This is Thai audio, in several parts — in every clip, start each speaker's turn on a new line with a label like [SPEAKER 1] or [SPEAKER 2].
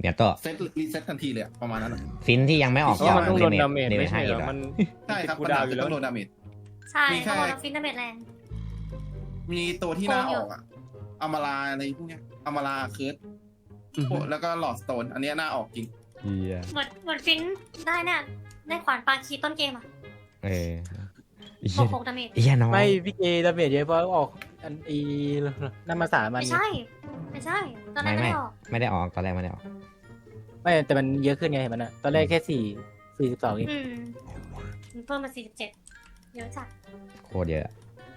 [SPEAKER 1] เนี่ยโต
[SPEAKER 2] เซตรีเซ็ตทันทีเลยประมาณนั้น
[SPEAKER 1] ฟินที่ยังไม่ออก
[SPEAKER 3] เพราะมันต้องโดนดาเมจ
[SPEAKER 1] เด
[SPEAKER 3] ไม่ใช่เหรอ
[SPEAKER 1] ให้
[SPEAKER 3] มัน
[SPEAKER 2] ใช่ครับ
[SPEAKER 3] กู
[SPEAKER 2] ปัญ
[SPEAKER 3] ดา
[SPEAKER 2] หาว
[SPEAKER 3] อ
[SPEAKER 2] คื
[SPEAKER 3] ยู่
[SPEAKER 2] อ
[SPEAKER 3] แล้ว
[SPEAKER 2] ต้องโดนดาเมจ
[SPEAKER 4] ใช่
[SPEAKER 2] มีแค่
[SPEAKER 4] เพราะเราฟินดาเมจแรง
[SPEAKER 2] มีตัวที่น่าออกอะอมาลาอะไรพวกเนี้ยอมาลาเคิร์ดแล้วก็หลอดสโตนอันเนี้ยน่าออกจริง
[SPEAKER 1] เฮีย
[SPEAKER 4] เหมือนฟินได้เนี่ยได้ขวานปาคีต้นเกมอ่ะ
[SPEAKER 1] เออ
[SPEAKER 4] 6 ดาเมจ
[SPEAKER 1] เฮียน้อง
[SPEAKER 5] ไม่พี่เกดาเมจเยอะเพราะออกอันอีน้ำมาสามัน
[SPEAKER 4] ไม่ใช่ตอนแรกไม่ออก
[SPEAKER 1] ไม่ได้ออกตอนแรกไม่ได้ออก
[SPEAKER 5] ไม่แต่มันเยอะขึ้นไงเห็นมันอะตอนแรกแค่42เอง
[SPEAKER 4] มันเพิ่มมา47เยอะจัด
[SPEAKER 1] โคตรเยอะ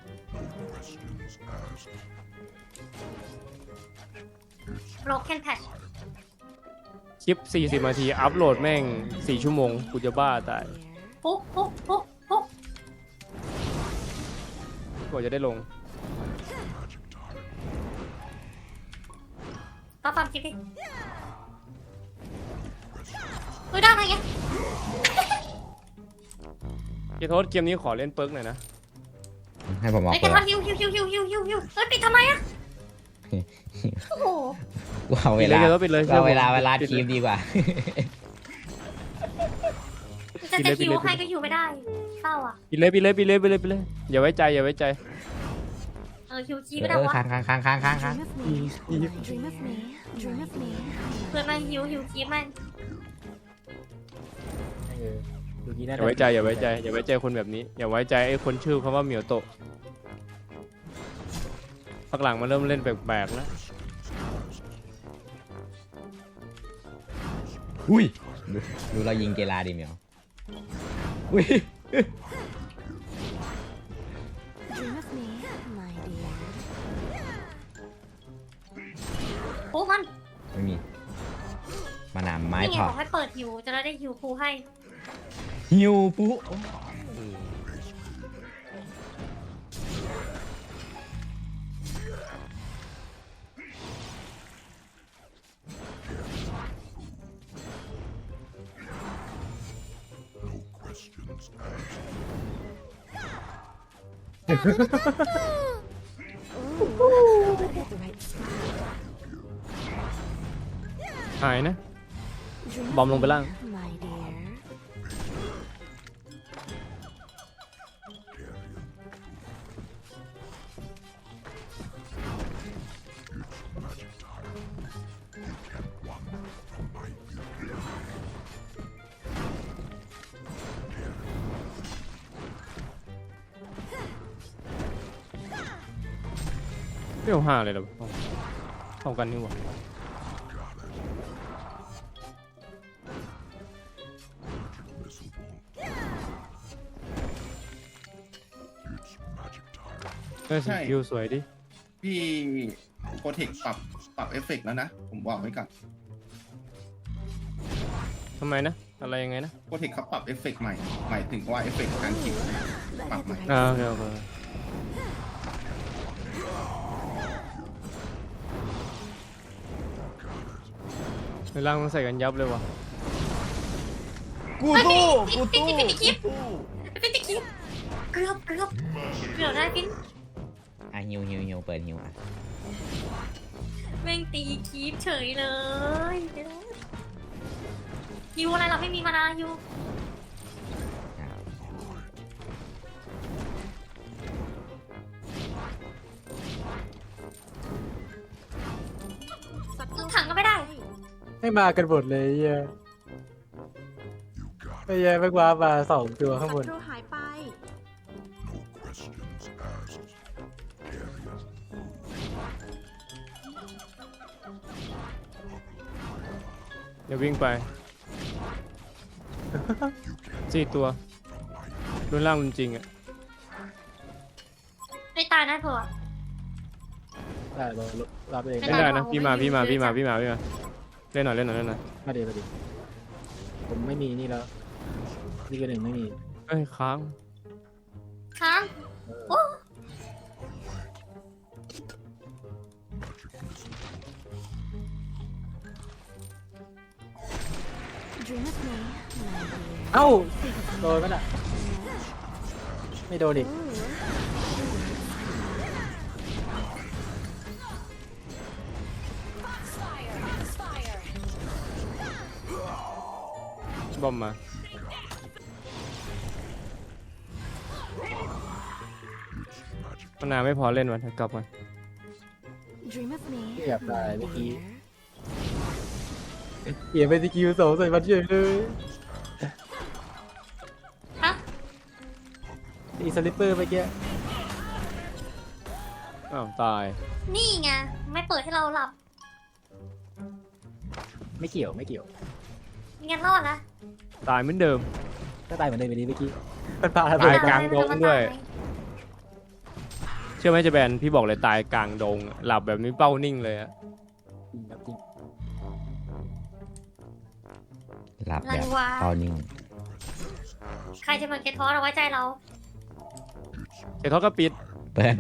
[SPEAKER 4] broken patch
[SPEAKER 3] คลิป40 นาทีอัพโหลดแม่ง4 ชั่วโมงกูจะบ้าตาย
[SPEAKER 4] ปุ๊ก
[SPEAKER 3] กว่าจะได้ลง
[SPEAKER 4] ก็ฟังคลิปดิได้ไง
[SPEAKER 3] เกโทษเกมนี้ขอเล่นเปิร์กหน่อยนะ
[SPEAKER 1] ให้ผมออก
[SPEAKER 4] ไอ้แก
[SPEAKER 1] เปิด
[SPEAKER 4] ทอนฮิวปิดทำไมอะโอ้โห
[SPEAKER 1] กูเอาเวลา
[SPEAKER 3] ปิดเลย
[SPEAKER 1] เอาเวลาทีมดีกว่า
[SPEAKER 4] จะฮิวให้ก็ฮิวไม่ได้เศร้าอ่ะ
[SPEAKER 3] ปิดเลยอย่าไว้ใจ
[SPEAKER 4] ฮิวคีไม่ได้วะ
[SPEAKER 1] ค้าง
[SPEAKER 6] Dream of me, dream of me.
[SPEAKER 4] เพื่อนมาฮิวคีมัน
[SPEAKER 5] ดูกี้
[SPEAKER 3] อ
[SPEAKER 5] น่า
[SPEAKER 3] ย่าไว้ใจคนแบบนี้อย่าไว้ใจไอ้คนชื่อเขาว่าเหมียวโตะพักหลังมาเริ่มเล่นแปลกๆแล้ว
[SPEAKER 1] อุ้ยดูเรายิงเกลาดิเมียวอุ้ย
[SPEAKER 6] Dream of me, my dear.
[SPEAKER 4] โอ้มัน
[SPEAKER 1] ไม่มีมานามไม้
[SPEAKER 4] นี่ไง
[SPEAKER 1] พอ
[SPEAKER 4] บอกให้เปิดฮิวจะได้ฮิวคูให้
[SPEAKER 1] ฮิวปุ๊
[SPEAKER 6] Ooh, but at the right spot.
[SPEAKER 3] หายนะ
[SPEAKER 6] Dream
[SPEAKER 3] บอมลงไปล่าง
[SPEAKER 6] my dear.
[SPEAKER 3] เรียว5เลยเหรอเท่ากันนี่หว่า ได้สกิลสวยดิ
[SPEAKER 2] พี่โปรเทคปรับเอฟเฟกต์แล้วนะ ผมบอกไว้ก่อน
[SPEAKER 3] ทำไมนะ อะไรยังไงนะ
[SPEAKER 2] โปรเทคเขาปรับเอฟเฟกต์ใหม่หมายถึงว่าเอฟเฟกต์การคิว
[SPEAKER 6] But at the right
[SPEAKER 3] อ่า
[SPEAKER 6] spot.
[SPEAKER 3] โอเคในร่างมันใส่กันยับเลยว่ะ
[SPEAKER 1] กูตู้
[SPEAKER 4] ปิดคลิปเกือบได้ฟิน
[SPEAKER 1] อ่ะฮิวเปิดฮิวอ่ะ
[SPEAKER 4] แม่งตีคลิปเฉยเลยฮิวอะไรเราไม่มีมานาฮิวถังก็ไม่ได้
[SPEAKER 5] ไม่มากันหมดเลยเหี้ยไอ้เหี้ยแม่งว้ามา2 ตัวข้างบน
[SPEAKER 6] ศัตรูหายไป
[SPEAKER 3] เดี๋ยววิ่งไป 4 ตัวรุนล่างรุนจริงอ่ะ
[SPEAKER 4] ไม่ตายนะเผื่อ
[SPEAKER 5] ได้รับเอง
[SPEAKER 4] ไม่
[SPEAKER 3] ไม่
[SPEAKER 4] ได้
[SPEAKER 3] ได้นะพี่มาเล่นหน่อย
[SPEAKER 5] มาดิผมไม่มีนี่แล้วนี่ก็1ไม่มี
[SPEAKER 3] เอ้ยค้าง
[SPEAKER 4] ค้างโอ้
[SPEAKER 6] Dream of me, my dear.
[SPEAKER 5] เอ้าโดนมันอ่ะไม่โดนอีก
[SPEAKER 6] Ooh.
[SPEAKER 3] บอมมามันนาไม่พอเล่นวันกลับมา
[SPEAKER 6] Dream of me.
[SPEAKER 5] เกือบตาย
[SPEAKER 6] my
[SPEAKER 5] เมื่อกี้
[SPEAKER 6] dear.
[SPEAKER 5] เกียร์เป็นสกิลสองใส่มันเฉยเลย
[SPEAKER 4] ฮะ
[SPEAKER 5] อีสลิปเปอร์เมื่อกี้
[SPEAKER 3] อ้าวตาย
[SPEAKER 4] นี่ไงไม่เปิดให้เราหลับ
[SPEAKER 5] ไม่เกี่ยวไม่เกี่ยว
[SPEAKER 4] งั้นรอดนะ
[SPEAKER 3] ตายเหมือนเดิม
[SPEAKER 5] ก็ตายเหมือนเดิมไปนี้เมื่อกี้มันพา
[SPEAKER 3] ตายกลางดงด้วย เชื่อไหมจะแบนพี่บอกเลยตายกลางดง หลับแบบนี้เป้านิ่งเลยอะ
[SPEAKER 5] จริงครับจริง
[SPEAKER 1] หลับแบบเป้านิ่ง
[SPEAKER 4] ใครจะมาเกทอสเอาไว้ใจเรา
[SPEAKER 3] เดี๋ยวเขาก็ปิด
[SPEAKER 1] เปิด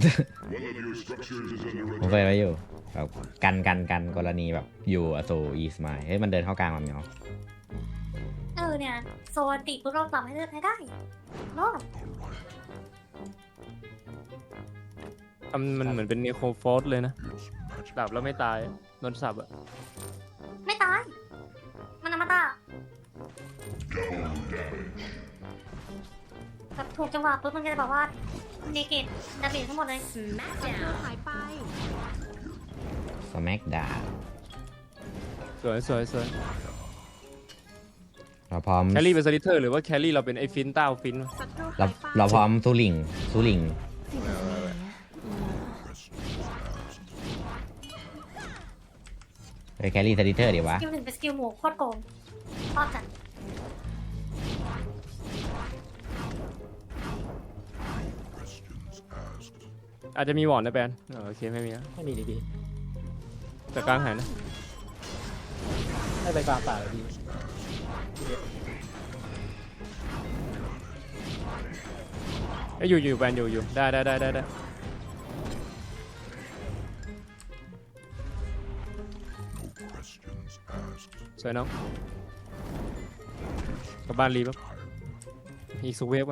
[SPEAKER 1] ผมเปิดไว้อยู่แบบกันกรณีแบบอยู่อโซอีสมายเฮ้ยมันเดินเข้ากลางมาเหมียว
[SPEAKER 4] เนี่ยโซนติปุ๊บเราหลับให้เลือดให้ได้รอด
[SPEAKER 3] มันเหมือนเป็นเนโครฟอสเลยนะหลับแล้วไม่ตายโดนสับอะ
[SPEAKER 4] ไม่ตาย มันอมตะแบบถูกจังหวะปุ๊บมันก็จะแบบว่าเนเกตดาเมจทั้งหมดเลย
[SPEAKER 6] หายไป
[SPEAKER 1] สแม็กดา
[SPEAKER 3] สวยสวยสวย
[SPEAKER 1] เราพร้อม
[SPEAKER 3] แคลรี่เป็นสลิเทอร์หรือว่าแคลรี่เราเป็นไอ้ฟินต้าฟินวะ
[SPEAKER 6] ศัตรู
[SPEAKER 1] เรา
[SPEAKER 6] หายไป
[SPEAKER 1] เราพร้อมสู้ลิง
[SPEAKER 6] Think of me.
[SPEAKER 1] ไปแครี่สติเตอร์ดีวะ
[SPEAKER 4] สกิลหนึ่งเป็นสกิลหมูโคตรโกงชอบจัด
[SPEAKER 3] อาจจะมีวอร์ดนะแบนโอเคไม่มีนะ
[SPEAKER 5] ไม่มีดิพี่
[SPEAKER 3] แต่กลางหายนะ
[SPEAKER 5] ให้ไปกลางป่าเลยพี่
[SPEAKER 3] ไอ้ยอยู่แบนอยู่ได้สวยน้องกลับบ้านรีบอีกสุเวฟไป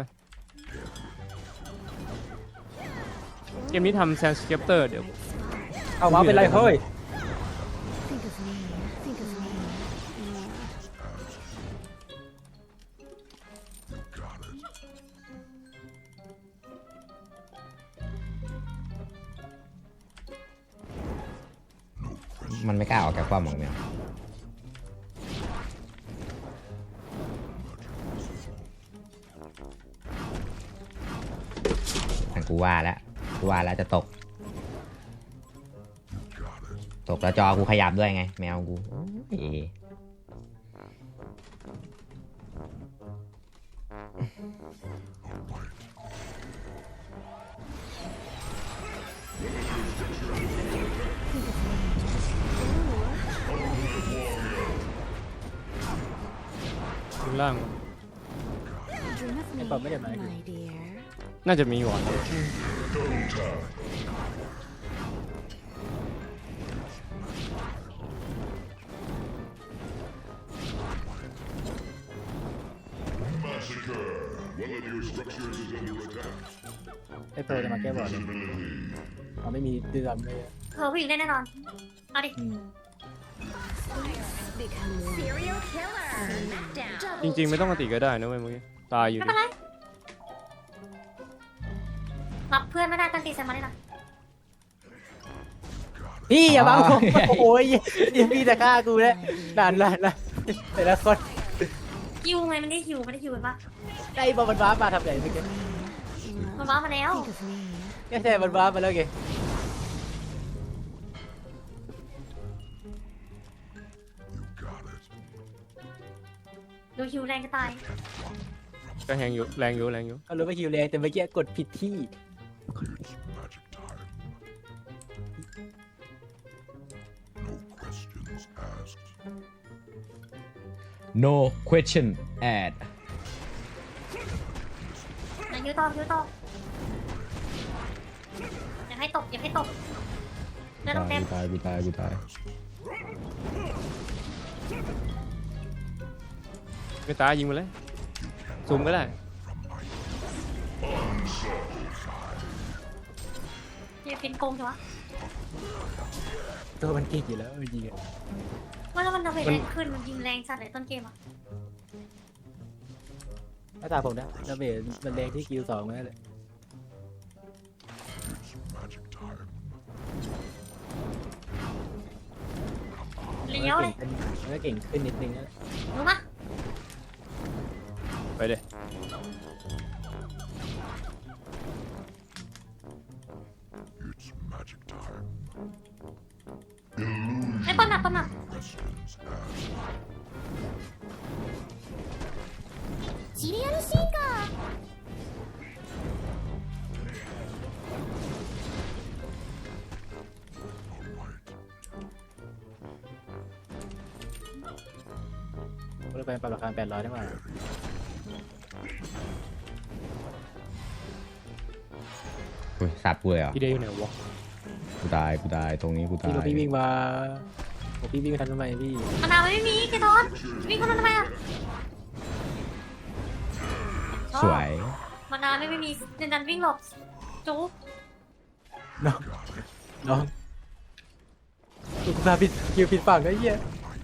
[SPEAKER 3] เกมนี้ทำแซนสเก็ปเตอร์เดี๋ยว
[SPEAKER 5] เอามาเป็นไรเฮ้ย
[SPEAKER 6] Think of me. Think of me.
[SPEAKER 1] มันไม่กล้าออกจากความหมองเหมียวแต่กูว่าแล้วจะตกแล้วจอกูขยับด้วยไง แมวกูโอ้ย
[SPEAKER 3] ข้างล่าง
[SPEAKER 6] Dream of me.
[SPEAKER 5] Em bấm cái điểm này.
[SPEAKER 6] My dear.
[SPEAKER 3] น่าจะมีวอร์ด
[SPEAKER 5] ไอ้โปรจะมาแก้บอร์ดเขาไม่มีดื้อดำเลย
[SPEAKER 4] เธอผู้หญิงได้แน่นอน เอาดิ
[SPEAKER 6] Become serial killer.
[SPEAKER 3] จริงๆไม่ต้องมาติก็ได้นะเว้ยเมื่อกี้ตายอยู่
[SPEAKER 4] ไม่
[SPEAKER 3] ดิ
[SPEAKER 4] เป็นไร รับเพื่อนไม่ได้ตั้งตีใส่มาได้หรอ
[SPEAKER 5] พี่อย่าบังผมโอ้ยยังพี่จะฆ่ากูแล้วนานแต่ละคน
[SPEAKER 4] ฮิวไงมันได้ฮิวกันปะ
[SPEAKER 5] ไอ้บอลมันว้ามาทำไงเมื่อกี้
[SPEAKER 4] มันว้ามาแล้ว
[SPEAKER 6] Think of me.
[SPEAKER 5] ไม่ใช่มันว้ามาแล้วไง
[SPEAKER 4] ดูฮิวแรงจะตาย
[SPEAKER 3] ก็แรงอยู่
[SPEAKER 5] เขารู้ว่าฮิวแรงแต่เมื่อกี้กดผิดที่
[SPEAKER 1] no question add
[SPEAKER 4] ฮิวต่ออย่าให้ตกเลือดต้องเต็ม
[SPEAKER 1] กูตาย
[SPEAKER 3] ไม่ตายยิงมาเลยซูมก็ได้
[SPEAKER 4] อย่าเป็นโกงจังวะ
[SPEAKER 5] ตัวมันเก่งอยู่แล้วจริง
[SPEAKER 4] ว่าแล้วมันดาเมจแรงขึ้นมันยิงแรงสัตว์เลยต้นเกมอ่ะ
[SPEAKER 5] าตาผมนะดาเมจมันแรงที่คิว2นั่นแหละ
[SPEAKER 4] เลี้ยวเลย
[SPEAKER 5] มันก็เก่งขึ้นนิดนึงนะ
[SPEAKER 4] รู้ปะ
[SPEAKER 3] ไปเลย
[SPEAKER 4] ไอ้ปนหนักปนหนัก
[SPEAKER 6] シリアル進化
[SPEAKER 5] ก็เลยไปปรับราคา800ได้ไหม
[SPEAKER 1] อุ้ยสับกูเลยเหรอ
[SPEAKER 3] พี่เดย์อยู่ไหนวะ
[SPEAKER 1] กูตายตรงนี้กูตา
[SPEAKER 5] พี่
[SPEAKER 1] ย
[SPEAKER 5] ก็พี่วิ่งมาผมพี่วิ่งไปทันทำไมพี่
[SPEAKER 4] มะนาวไม่มีแกทอนวิ่งคนนั้นทำไมอะ
[SPEAKER 1] สวย
[SPEAKER 4] มะนาวไม่มีเดินดันวิ่งหลบจุ๊บ
[SPEAKER 5] น้องกูตาผิดคิวผิดฝั่งไอ้เหี้ย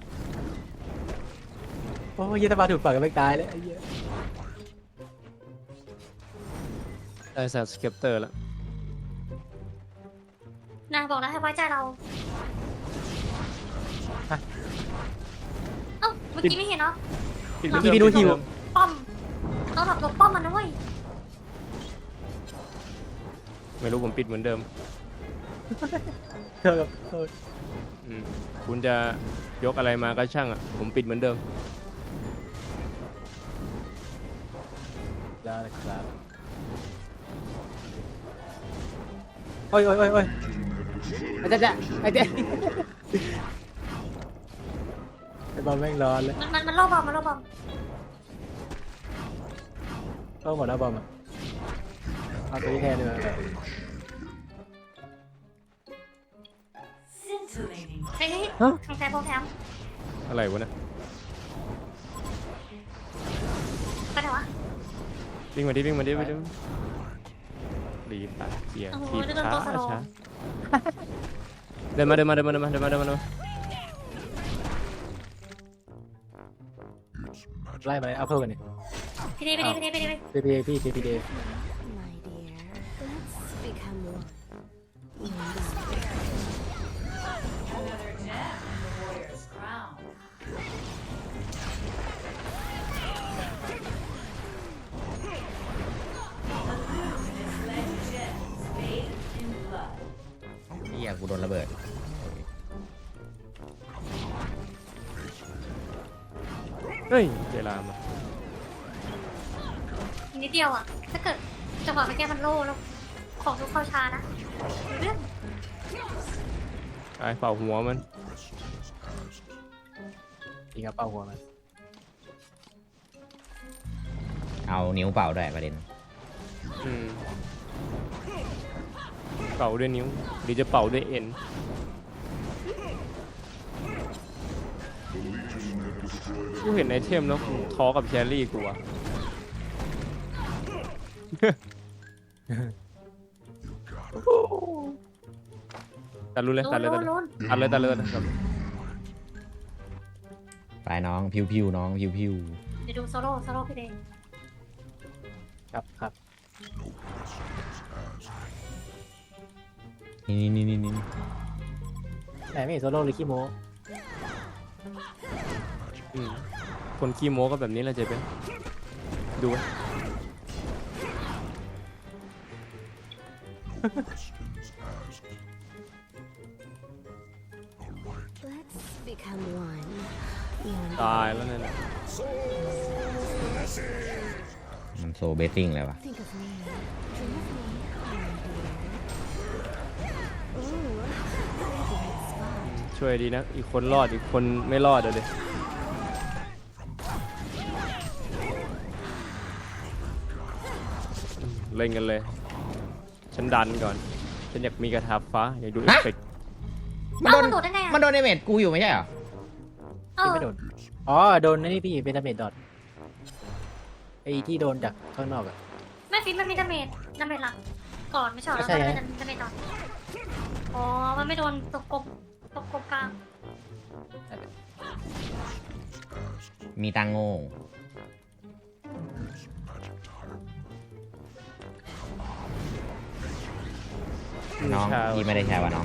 [SPEAKER 5] โอ้ยเหี้ยถ้ามาถูกฝั่งก็ไม่ตายเลยไอ้เหี้ย
[SPEAKER 3] ได้แซดสเก็ปเตอร์แล้ว
[SPEAKER 4] นายบอกนะให้ไว้ใจเราเอ้าเมื่อกี้ไม่เห็นเนาะ
[SPEAKER 3] ปิด
[SPEAKER 5] พี่พี่ดูหิว
[SPEAKER 4] ป้อมต้องหลบป้อมมันนะเว้ย
[SPEAKER 3] ไม่รู้ผมปิดเหมือนเดิม
[SPEAKER 5] เธอกับเธอ
[SPEAKER 3] คุณจะยกอะไรมาก็ช่างอ่ะผมปิดเหมือนเดิม
[SPEAKER 5] ได้ครับโอ้ยอาจารย์ไอ้เจ๊ไอ้บอลแม่งร้อนเลย
[SPEAKER 4] มันล่อบอมมันล่อบอม
[SPEAKER 5] ต้องหมดแล้วบอลอ่ะเอาตัวนี้แทนดีกว่า
[SPEAKER 4] เฮ้ยทางแทนโปรแกรม
[SPEAKER 3] อะไรวะเนะ
[SPEAKER 4] ไปไหนวะ
[SPEAKER 3] วิ่งมาดิรีบตาเกียร์
[SPEAKER 4] โอ้โห
[SPEAKER 3] ทีบ
[SPEAKER 4] เดินตัวสโลว์
[SPEAKER 3] ช้าเดินมา
[SPEAKER 5] ไล่ไปเอาเพิ่มกันนี่
[SPEAKER 4] พี่ดี
[SPEAKER 5] พี่พี่
[SPEAKER 6] my dear let's become one
[SPEAKER 1] เฮียกูโดนระเบิด
[SPEAKER 3] เฮ้ยเวลามา
[SPEAKER 4] นิดเดียวอ่ะถ้าเกิดจังหวะไปแก้มันโล่แล้วของทุกเข้าชานะเรื่อง
[SPEAKER 3] ไอ้เป่าหัวมัน
[SPEAKER 5] ยิงกระเป๋าหัวมัน
[SPEAKER 1] เอานิ้วเป่าด้วยประเด็น
[SPEAKER 3] เป่าด้วยนิ้วหรือจะเป่าด้วยเอ็นกูเห็นไอเทมแล้วกูท้อกับแครี่กูอะตัดเลย
[SPEAKER 4] ลุ้น
[SPEAKER 3] นะครับ
[SPEAKER 1] ไปน้องพิวน้องพิว
[SPEAKER 4] เดี๋ยวดูโซโล่พี่เดย์
[SPEAKER 5] ครับ
[SPEAKER 1] นี่
[SPEAKER 5] ไหนไม่เห็นโซโล่หรือขี้โม้
[SPEAKER 3] คนขี้โม้ก็แบบนี้แหละเจ๊เป็นดูไว้
[SPEAKER 6] let's become one
[SPEAKER 3] ตายแล้วนั่นแหละ
[SPEAKER 1] มันโซเบสซิ่งเลยวะ
[SPEAKER 6] think of me dream of me my dear ooh favorite spot
[SPEAKER 3] ช่วยดีนะ อีกคนรอดอีกคนไม่รอดเลย เล่นกันเลย ฉันดันก่อน ฉันอยากมีกระทาฟ้า อยากดูเอฟเฟกต์
[SPEAKER 1] มันโดน
[SPEAKER 4] โดดได้ไง
[SPEAKER 1] มันโดนเดเมจกูอยู่ไม่ใช่เหรอ
[SPEAKER 5] ไม่โดนอ๋อโดนนี่พี่เป็นดาเมจดอทไอ้ที่โดนจากข้างนอกอ่ะ
[SPEAKER 4] ไม่ฟิตมันมีดาเมจหลักก่อนไม่ใช่หรอแล้วมันเป็นดาเมจต่ออ๋อมันไม่โดนตกกบกลาง
[SPEAKER 1] มีตังโง่น้องพี่ไม่ได้แชร์ว่ะน้อง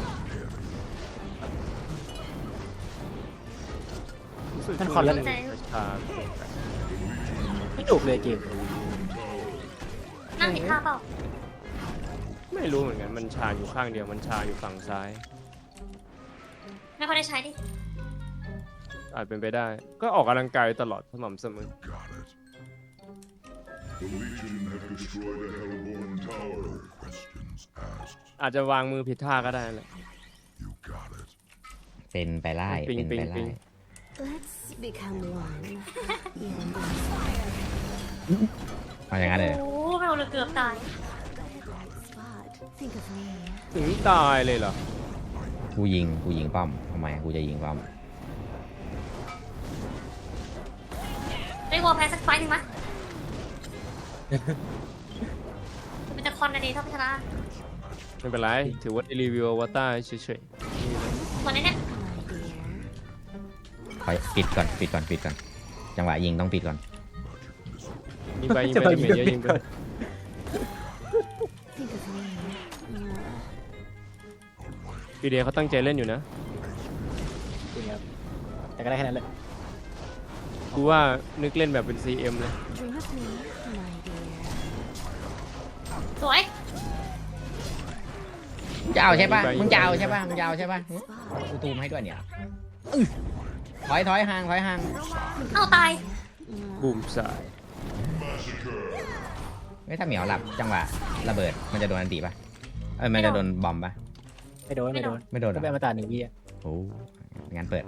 [SPEAKER 5] ท่านคอนแล้ว
[SPEAKER 3] ชา
[SPEAKER 5] ไม่ถูกเลยเกม
[SPEAKER 4] นั่งผิดท่าเปล่า
[SPEAKER 3] ไม่รู้เหมือนกันมันชาอยู่ข้างเดียวมันชาอยู่ฝั่งซ้าย
[SPEAKER 4] ไม่ค่อยได้ใช้ดิ
[SPEAKER 3] อาจเป็นไปได้ ก็ออกกำลังกายตลอดสม่ำเสมอ
[SPEAKER 7] The Legion have destroyed a Hellborn tower. Questions asked.
[SPEAKER 3] อาจจะวางมือผิดท่าก็ได้แหละ
[SPEAKER 7] You got it.
[SPEAKER 1] เป็นไปไล่
[SPEAKER 3] ปิ๊ง
[SPEAKER 1] เป็นไป
[SPEAKER 3] ปิ๊
[SPEAKER 1] ไล่
[SPEAKER 3] ง
[SPEAKER 6] Let's become one. And
[SPEAKER 1] เอาอย่างนั้นเลย
[SPEAKER 4] โอ้เราเลยเกือบตาย
[SPEAKER 6] spot. Think of me.
[SPEAKER 3] ถึงตายเลยเหรอ
[SPEAKER 1] กูยิงป้อมทำไมกูจะยิงป้อม
[SPEAKER 4] ได้วอลแพ้สักไฟหนึ่งมั้ยมันจะคอนในนี้ถ้าไม่ชนะ
[SPEAKER 3] ไม่เป็นไร ถือว่าได้รีวิวอวตารเฉย
[SPEAKER 4] วันนี้เนี่ย
[SPEAKER 1] ขอปิดก่อนจังหวะยิงต้องปิดก่อน
[SPEAKER 3] ๆยิงไปยิงไปยิงไปเยอะยิงไป
[SPEAKER 6] Think of me.
[SPEAKER 3] ปีเดียเขาตั้งใจเล่นอยู่นะ
[SPEAKER 5] จริงครับแต่ก็ได้แค่นั้นเลย
[SPEAKER 3] กูว่านึกเล่นแบบเป็น CM เลย
[SPEAKER 6] Dream of me, my dear.
[SPEAKER 4] สวย
[SPEAKER 1] มึงจะเอาใช่ปะ
[SPEAKER 3] ไป
[SPEAKER 1] มึงจะเอาใช่ปะมึงจะเอาใช่ปะ
[SPEAKER 6] Spot.
[SPEAKER 1] กูตูมให้ด้วยเนี่ยถอยห่าง
[SPEAKER 4] เอาตาย
[SPEAKER 3] บูมสาย
[SPEAKER 1] ไม่ถ้าเหมียวหลับจังหวะระเบิดมันจะโดนอันตีปะมันจะโดนบอมปะ
[SPEAKER 5] ไม่โดน
[SPEAKER 1] ไม่โดนเหร
[SPEAKER 5] ก็เป็น
[SPEAKER 1] อ
[SPEAKER 5] มาตรา1 วิอ่ะ
[SPEAKER 1] โอ้งั้นเปิด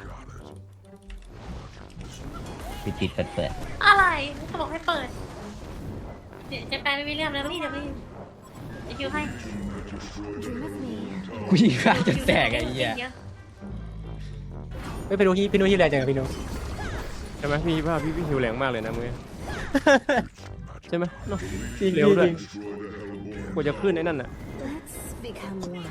[SPEAKER 1] เปิด
[SPEAKER 4] อะไรเขาบอกให้เปิดเดี๋ยวจะแปลไม่มีเรื่องแล้วนี่เดี๋ยวไม่จะคิวให้
[SPEAKER 6] Dream of me.
[SPEAKER 1] กูยิงฆ่าจนแตกไอ้เหี้ย
[SPEAKER 4] เยอะ
[SPEAKER 5] ไม่พี่นุ้ยแรงจังพี่นุ้ย
[SPEAKER 3] ใช่ไหมพี่หิวแรงมากเลยนะมึงใช่ไหมเนาะ
[SPEAKER 5] จริง
[SPEAKER 3] เร็วด้วย
[SPEAKER 5] จริง
[SPEAKER 3] กว่าจะขึ้นไอ้นั่นน่ะ
[SPEAKER 6] Let's become one.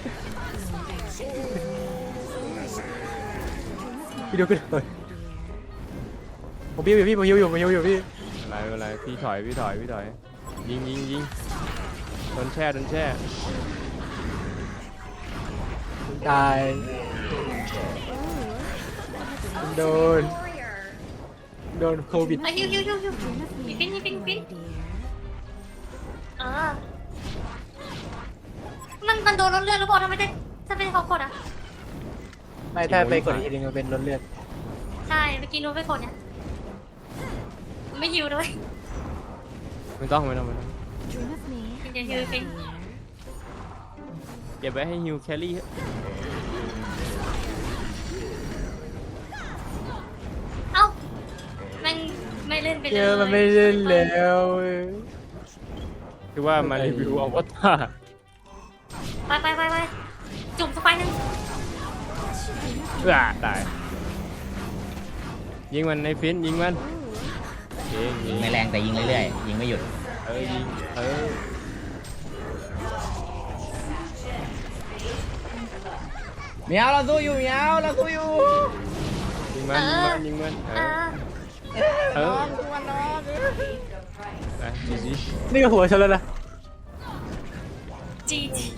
[SPEAKER 5] พี่นุ้ยขึ้นเลยผมบิ้วอยู่พี่ผมบิ้วอยู่พี่
[SPEAKER 3] อะไรพี่ถอยยิงโดนแช่
[SPEAKER 5] ตายโดนโควิด
[SPEAKER 4] ไอ้ฮิวปิ้น
[SPEAKER 6] Dear.
[SPEAKER 4] เออมันโดนรถเลือดหรือเปล่าทำไมได้ถ้าเป็นเขากดอ่ะ
[SPEAKER 5] ไม่ถ้าไปกดอีกทีนึงมันเป็นรถเลือด
[SPEAKER 4] ใช่เมื่อกี้นู้นไปกดเนี่ยไม่ฮิวด้วย
[SPEAKER 3] ไม่ต้อง
[SPEAKER 6] Dream of me,
[SPEAKER 4] Did you
[SPEAKER 6] my
[SPEAKER 4] hear me?
[SPEAKER 6] dear.
[SPEAKER 3] เก็บไว้ให้ฮิวแครี่
[SPEAKER 4] เอ้าแม่งไม่เล่นไปเลย
[SPEAKER 5] เยอะมันไม่เล่นแล้ว
[SPEAKER 3] คือว่ามารีวิวอวตาร
[SPEAKER 4] ไปจุ่มสไปนึง
[SPEAKER 3] ตายยิงมันในฟินยิงมันยิง
[SPEAKER 1] ยิงไม่แรงแต่ยิงเรื่อยๆยิงไม่หยุด
[SPEAKER 3] ยิง
[SPEAKER 1] เหมียวเราสู้อยู่
[SPEAKER 3] ยิงมันไปจี
[SPEAKER 5] นี่ก็หัวฉันแล้วนะ
[SPEAKER 4] จี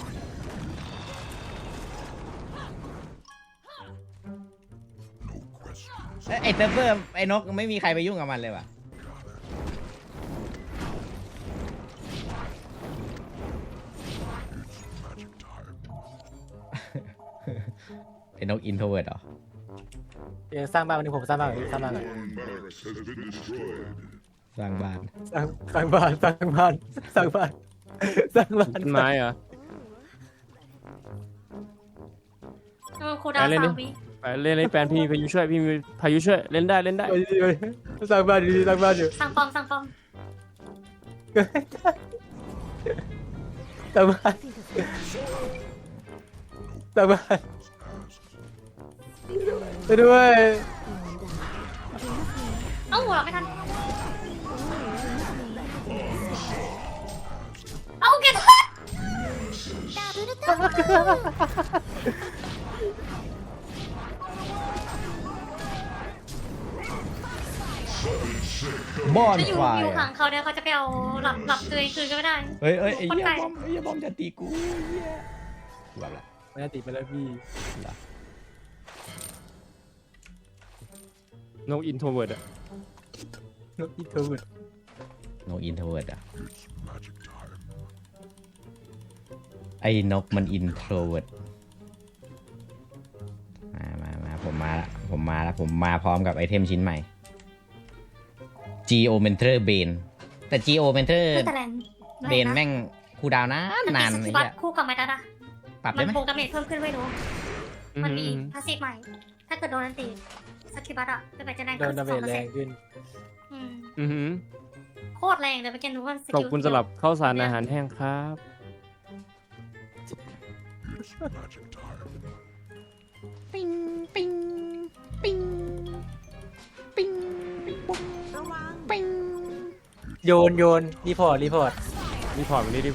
[SPEAKER 1] ไอ้เซิร์ฟเวอร์ไอ้นกไม่มีใครไปยุ่งกับมันเลยว่ะไอ้นกอินโทรเวิร์ดเหรอ
[SPEAKER 5] สร้างบ้านวันนี้ผมสร้างบ้านก่อน
[SPEAKER 7] Hellborn barracks has been destroyed.
[SPEAKER 1] สร้างบ้าน
[SPEAKER 5] สร้างบ้าน
[SPEAKER 3] ต้นไม้เหรอ
[SPEAKER 4] คูดาว3 วิ
[SPEAKER 3] ไปเล่นแฟนพี่มีพายุช่วยพี่มีพายุช่วยเล่นได้
[SPEAKER 5] สร้างบ้านอยู่
[SPEAKER 4] สั่งปอม
[SPEAKER 5] สร้างบ้านสร้างบ้านไปด้วย
[SPEAKER 4] เอ้าหัวเราไม่ทันเอ้าเก็บ
[SPEAKER 1] บอน
[SPEAKER 4] จะอยู่
[SPEAKER 1] ไฟ
[SPEAKER 4] อยู่ขังเขาเนี่ยเขาจะไปเอาหลับตัวเองคืนก็ไม่ได้
[SPEAKER 1] เฮ้ยไอ้
[SPEAKER 4] คน
[SPEAKER 1] เหี้ย
[SPEAKER 4] ไก่
[SPEAKER 1] บอมไอ้เหี้ยบอมจะตีกูเหี้ยแบบละ
[SPEAKER 5] ไม่ได้ติดไปแล้วพี่
[SPEAKER 3] นกอินโทรเวิร์ดอะ
[SPEAKER 5] นกอีเทอร์เวิร์ด
[SPEAKER 1] นกอินโทรเวิร์ดอ่ะ
[SPEAKER 7] It's magic time.
[SPEAKER 1] ไอ้นกมันอินโทรเวิร์ดมาผมมาละผมมาพร้อมกับไอเทมชิ้นใหม่ Geomancer Bane แต่ Geomancer
[SPEAKER 4] แต่แรง
[SPEAKER 1] Bane แม่งคูลดาวน์นาน
[SPEAKER 4] ส
[SPEAKER 1] ไอ้
[SPEAKER 4] กิบั
[SPEAKER 1] เหี้
[SPEAKER 4] ต
[SPEAKER 1] ย
[SPEAKER 4] คู่กับไมตัดอะ
[SPEAKER 1] ปรับ
[SPEAKER 4] มั
[SPEAKER 1] ได้
[SPEAKER 4] น
[SPEAKER 1] ไหม
[SPEAKER 4] โปรดาเมจเพิ่มขึ้นไม่รู้ มันมี
[SPEAKER 3] อืม
[SPEAKER 4] พาสซีฟใหม่ ถ้าเกิดโดนอันตีสกิบัตอะจะแรง
[SPEAKER 5] โด
[SPEAKER 4] ขึ้
[SPEAKER 5] น
[SPEAKER 4] น
[SPEAKER 5] ดาเมจแรง
[SPEAKER 4] 2%
[SPEAKER 5] ขึ้น
[SPEAKER 4] อืม
[SPEAKER 3] อือหือ
[SPEAKER 4] โคตรแรงเลยเมื่อกี้รู้ว่าส
[SPEAKER 3] ขอบ
[SPEAKER 4] กิล
[SPEAKER 3] คุณสำหรับข้าวสารอาหารแห้งครับ
[SPEAKER 7] It's magic time.
[SPEAKER 1] ปิ้งปิ้งปิ้งปิ้งปิ้ง
[SPEAKER 5] โยนรีพอร์ต
[SPEAKER 3] รีพอร์ตมาดิ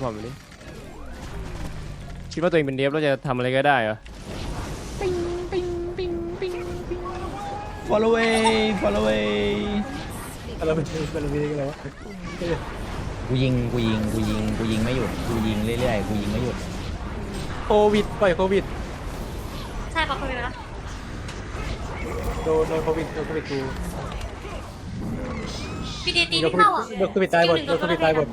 [SPEAKER 3] คิดว่าตัวเองเป็นเดฟแล้วจะทำอะไรก็ได้เหรอ
[SPEAKER 1] ปิ้งปิ้งปิ้งปิ้งปิ้ง follow away
[SPEAKER 5] เราเป็นกันแล้ว
[SPEAKER 1] กูยิงไม่หยุดกูยิงเรื่อยๆกูยิงไม่หยุด
[SPEAKER 5] โควิดปล่อยโควิด
[SPEAKER 4] ใช่ปะคุณเลยนะ
[SPEAKER 5] โดนโควิดกู
[SPEAKER 4] พีดีตี
[SPEAKER 5] โดน
[SPEAKER 4] ไม่เข้าอ่ะ
[SPEAKER 5] โควิดตายหมดโดนโควิดตายหมด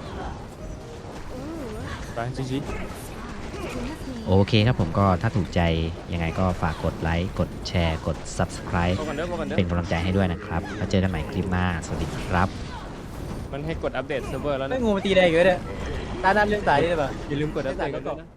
[SPEAKER 3] ไปจี
[SPEAKER 1] โอเคครับผมก็ถ้าถูกใจยังไงก็ฝากกดไลค์กดแชร์กด subscribe
[SPEAKER 3] พอกันเด้อ
[SPEAKER 1] เป็นกำลังใจให้ด้วยนะครับแล้วเจอกันใหม่คลิปหน้าสวัสดีครับ
[SPEAKER 3] มันให้กดอัปเดตเซิร์ฟเวอร์แล้ว
[SPEAKER 5] ไม่
[SPEAKER 3] นะ
[SPEAKER 5] งูมันตีได้เยอะเนี่ยตาด้านเรื่องสายนี่ได้ปะ
[SPEAKER 3] อย่าลืมกดอัปเดตกันด้วยนะ